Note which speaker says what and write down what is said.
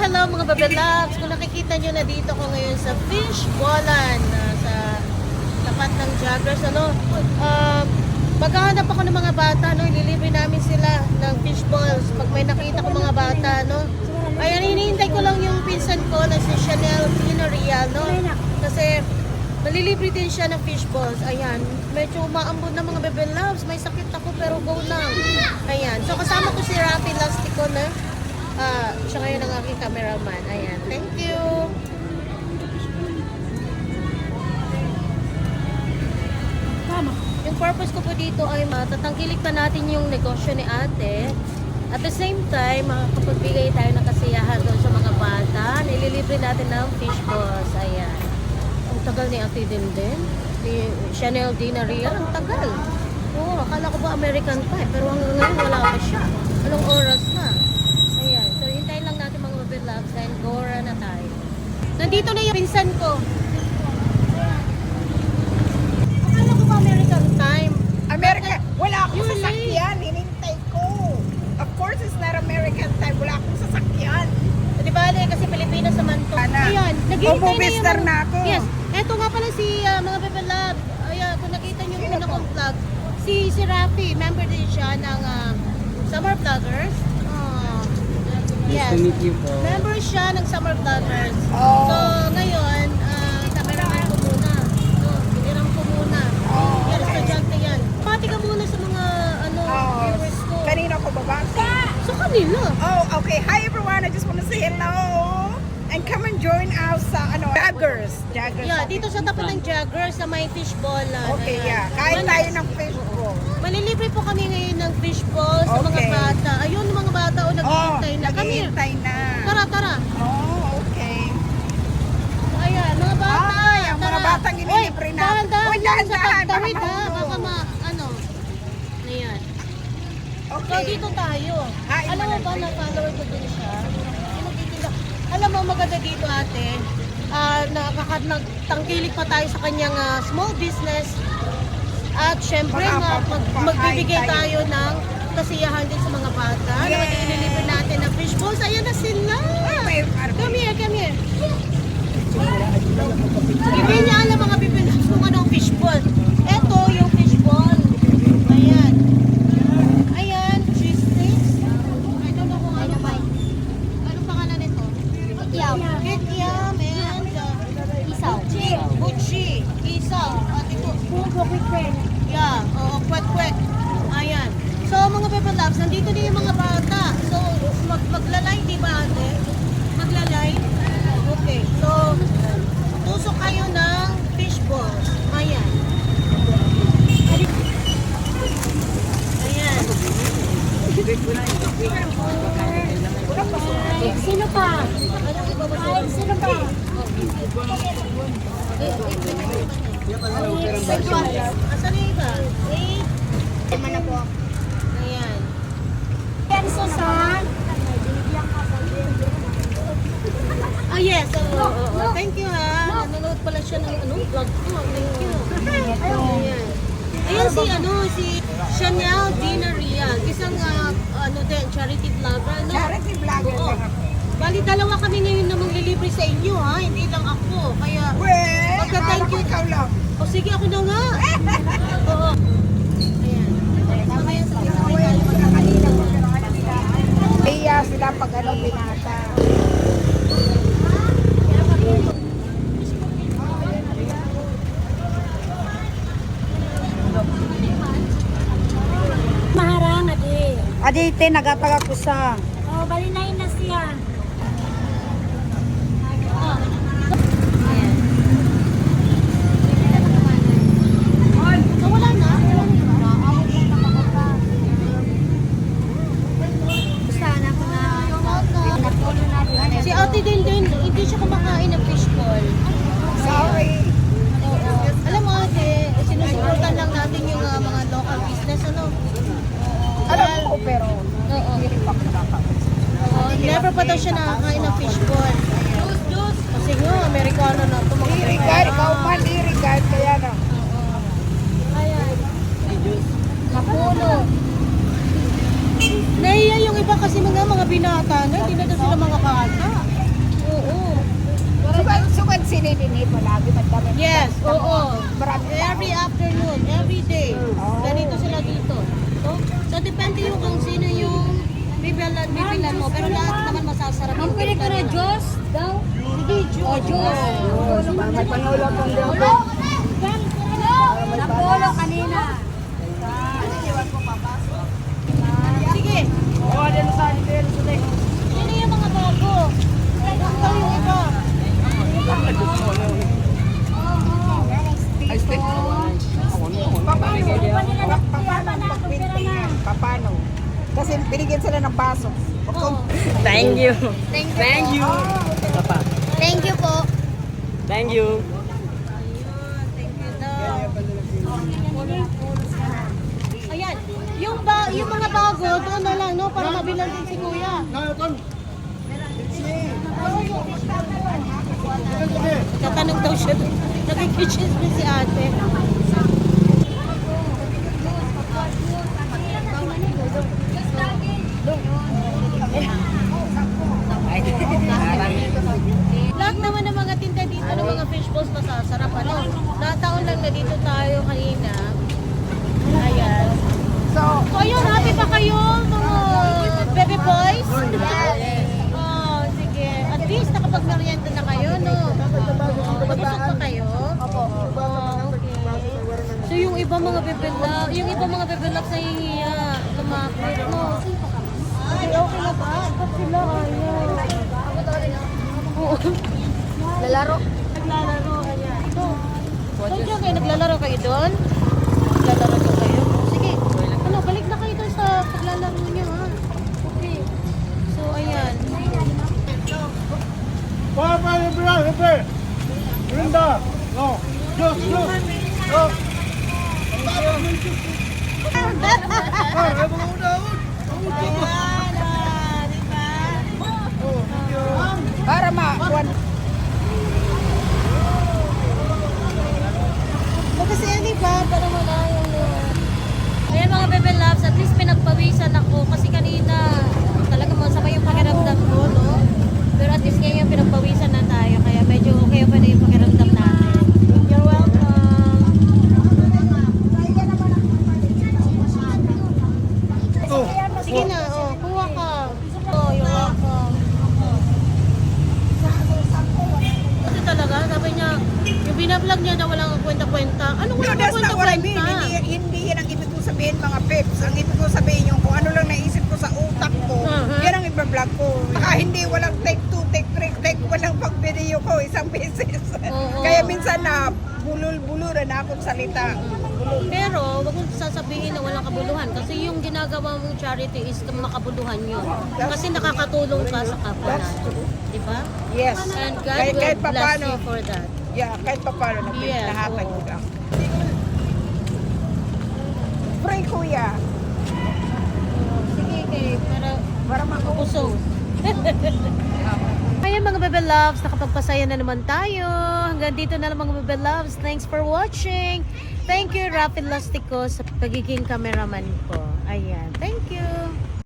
Speaker 1: hello mga babalabs. Kung nakikita nyo na dito ko ngayon sa Fish Ballan, sa tapat ng Jaggers, maghahanap ako ng mga bata, ililibre namin sila ng fish balls pag may nakita ko mga bata, Ayan, hinihintay ko lang yung pinsan ko na si Chanel Dinaria, kasi malilibre din siya ng fish balls. Ayan, medyo umaambon na mga babalabs. May sakit ako pero go lang. Ayan, so kasama ko si Rafi Lastico na siya ngayon ang aking cameraman. Ayan, thank you. Yung purpose ko po dito ay matatangkilik pa natin yung negosyo ni ate. At the same time, makapagbigay tayo ng kasiyahan doon sa mga bata. Nililibre natin ng fish balls. Ayan. Ang tagal ni ate din. Ni Chanel Dinaria. Ang tagal. Oo, akala ko ba American Pie. Pero hanggang ngayon wala pa siya. Anong oras na? Ayan. So, hintayin lang natin mga babalabs dahil Gora na tayo. Nandito na yung pinsan ko. Akala ko ba American time?
Speaker 2: America, wala akong
Speaker 1: You're
Speaker 2: sasakyan, hinintay ko. Of course, it's not American time. Wala akong sasakyan.
Speaker 1: Di ba, kasi Pilipinas naman to.
Speaker 2: Ana,
Speaker 1: Ayan, naghihintay na
Speaker 2: bububister
Speaker 1: yung...
Speaker 2: na ako.
Speaker 1: Yes, eto nga pala si mga babalab. Ayan, kung nakita nyo yung una kong vlog, si Rafi, member din siya ng Summer Vloggers. Yes.
Speaker 3: Nice to meet you po.
Speaker 1: Member siya ng Summer Vloggers.
Speaker 2: Oh.
Speaker 1: So, ngayon, cameraman ko muna. Binirang ko muna.
Speaker 2: Oh,
Speaker 1: Yan,
Speaker 2: okay.
Speaker 1: estudyante yan. Pati ka muna sa mga viewers ko.
Speaker 2: Kanina ko babasa.
Speaker 1: Sa kanila.
Speaker 2: Oh, okay. Hi everyone. I just want to say hello. And come and join us sa Jaggers. Jaggers.
Speaker 1: Yeah, dito sa tapat ng Jaggers sa may fishball.
Speaker 2: Okay, yeah. Kain tayo ng fish roll.
Speaker 1: Malilibre po kami ngayon ng fishball sa mga
Speaker 2: Okay.
Speaker 1: bata. Ayun, mga bata naghihintay na. Kami.
Speaker 2: naghihintay na.
Speaker 1: Tara.
Speaker 2: Oh, okay.
Speaker 1: Ayan, mga bata.
Speaker 2: Ay, ang mga
Speaker 1: tara.
Speaker 2: batang inilibre na.
Speaker 1: Dahan-dahan
Speaker 2: Uy,
Speaker 1: lang sa
Speaker 2: dahan-dahan,
Speaker 1: pagtawid
Speaker 2: baka
Speaker 1: ha.
Speaker 2: mahulog.
Speaker 1: Baka Ayan. So,
Speaker 2: Okay.
Speaker 1: dito tayo.
Speaker 2: Hain
Speaker 1: Alam mo
Speaker 2: mo
Speaker 1: ba
Speaker 2: ng
Speaker 1: na follower ko din siya? Yung nagtitinda. Alam mo, maganda dito ate. Nakakatangkilik pa tayo sa kanyang small business. At syempre, magbibigay tayo ng kasiyahan din sa mga bata.
Speaker 2: Yes.
Speaker 1: Na ililibre natin ng fish balls. Ayan na sila. Come here. Bibili niya alam mga bibili kung anong fish ball. Ito yung fish ball. Ayan, cheese sticks. I don't know kung ano ba. Anong pangalan nito? Kikiam and isaw. Buchi. Isaw. At ito. Yeah, kwek. Ayan. So mga babalabs, nandito din yung mga bata. So maglalay, di ba ate? Maglalay. Okay. So tusok kayo ng fish balls. Ayan.
Speaker 4: Sino pa? Ay, sino pa?
Speaker 1: Asan yung iba?
Speaker 4: Tama na po.
Speaker 1: Ayan.
Speaker 4: Yan, Susan.
Speaker 1: Oh yes, thank you ha. Nanonood pala siya ng vlog ko. Thank you. Ayan. Ayan si Chanel Dinaria, isang charity vlogger,
Speaker 2: Charity vlogger.
Speaker 1: Oo. Bali, dalawa kami ngayon na maglilibre sa inyo ha, hindi lang ako. Kaya,
Speaker 2: Well,
Speaker 1: Pagka-thank you.
Speaker 2: ikaw lang.
Speaker 1: sige ako na nga. Oo. Ayan. Mamaya sa tayo
Speaker 2: Iya sila pag binata.
Speaker 4: Maharang, adi.
Speaker 2: Adite, nagatag ako sa...
Speaker 4: Oh, balinayin na siya.
Speaker 1: So, wala na.
Speaker 4: Sana ko na.
Speaker 1: Si ate din, hindi siya kumakain ng fishball.
Speaker 2: Sorry.
Speaker 1: Oo. Alam mo ate, sinusuportan lang natin yung mga local business,
Speaker 2: Alam ko, pero
Speaker 1: Oo.
Speaker 2: hindi rin pa nakakain.
Speaker 1: Never pa daw siya nakakain ng fishball. Kasi nga, Amerikano na ito.
Speaker 2: I-regard, ikaw man i-regard, kaya na.
Speaker 1: Ayan. Mapuno. Nahiya yung iba kasi mga binata na, hindi na daw sila mga bata.
Speaker 2: din eh, palagi madami.
Speaker 1: Yes, oo.
Speaker 2: Marami
Speaker 1: Every afternoon, every day. Ganito sila dito. So depende yung kung sino yung bibilan mo. Pero lahat naman masasarap yung
Speaker 4: Pwede ko na
Speaker 1: bibilan.
Speaker 4: Diyos daw.
Speaker 1: Sige, Diyos.
Speaker 2: May pangulam ng
Speaker 4: Ulo! Napolo kanina.
Speaker 1: Sige.
Speaker 2: Oh, din sa din sa
Speaker 1: Sino yung mga bago? Ikaw yung iba.
Speaker 2: Paano? Kasi binigyan sila ng baso.
Speaker 1: Oo.
Speaker 3: Thank you.
Speaker 1: Thank you.
Speaker 3: Thank you. Papa.
Speaker 1: Thank you po.
Speaker 3: Thank you.
Speaker 1: Thank you daw. Ayan. Yung mga bago, doon na lang, no? Para mabilan din si Kuya. Tatanong daw siya doon. Nagkikitchen si ate. Lahat naman ng mga tinda dito ng mga fish balls masasarap. Ano? Nataon lang na dito tayo kanina. Ayan.
Speaker 2: So,
Speaker 1: So ayun, happy ba kayo mga baby boys? Oh, sige. At least nakapag-merienda na kayo, no? Nabusog pa kayo? Opo. Okay. So yung iba mga bebelak, sa hihiya, lumapit, no? Ay, okay na ba? Ba't sila ayaw? Oo.
Speaker 4: Lalaro.
Speaker 1: Naglalaro, ayan. So dyan kayo, naglalaro kayo doon? Naglalaro doon kayo? Sige. Ano, balik na kayo doon sa paglalaro niyo, ha? Okay. So, ayan.
Speaker 5: Papa, libre. Brinda. No. Dios. No.
Speaker 1: Ayan, di ba?
Speaker 2: para makuan.
Speaker 1: Kasi yan, di ba? Para wala yung... Ayan mga bebe loves, at least pinagpawisan ako kasi kanina talaga masama yung pakiramdam ko, no? Pero at least ngayon pinagpawisan na tayo kaya medyo okay pa na yung pakiramdam natin. You're welcome. Sige na, oh, kuha ka. Oh, you're welcome. Ito talaga, sabi niya, yung binablog niya na walang kwenta-kwenta. Ano
Speaker 2: No,
Speaker 1: walang
Speaker 2: that's not what I mean.
Speaker 1: kwenta-kwenta?
Speaker 2: Hindi yan ang ibig ko sabihin mga peps. Ang ibig ko sabihin yung kung ano lang naisip ko sa utak ko, yan ang iba-vlog ko. Hindi walang take 2, take 3, take walang pag-video ko isang beses.
Speaker 1: Oo.
Speaker 2: Kaya minsan na bulul-buluran na akong salita.
Speaker 1: Pero, wag mong sasabihin na walang kabuluhan kasi yung ginagawa mong charity is makabuluhan yun. Kasi nakakatulong ka sa kapwa
Speaker 2: That's
Speaker 1: natin.
Speaker 2: true.
Speaker 1: Di ba?
Speaker 2: Yes.
Speaker 1: And God
Speaker 2: Kahit
Speaker 1: will bless
Speaker 2: papaano.
Speaker 1: you for that.
Speaker 2: Yeah, kahit pa paano
Speaker 1: Yes,
Speaker 2: nahatag
Speaker 1: oo.
Speaker 2: ko lang. Pray kuya.
Speaker 1: Sige, kay, para
Speaker 2: Para
Speaker 1: makusog. Ayan mga bebe loves, nakapagpasaya na naman tayo. Hanggang dito na lang mga bebe loves. Thanks for watching. Thank you, Rafi Lastico, sa pagiging cameraman ko. Ayan, thank you.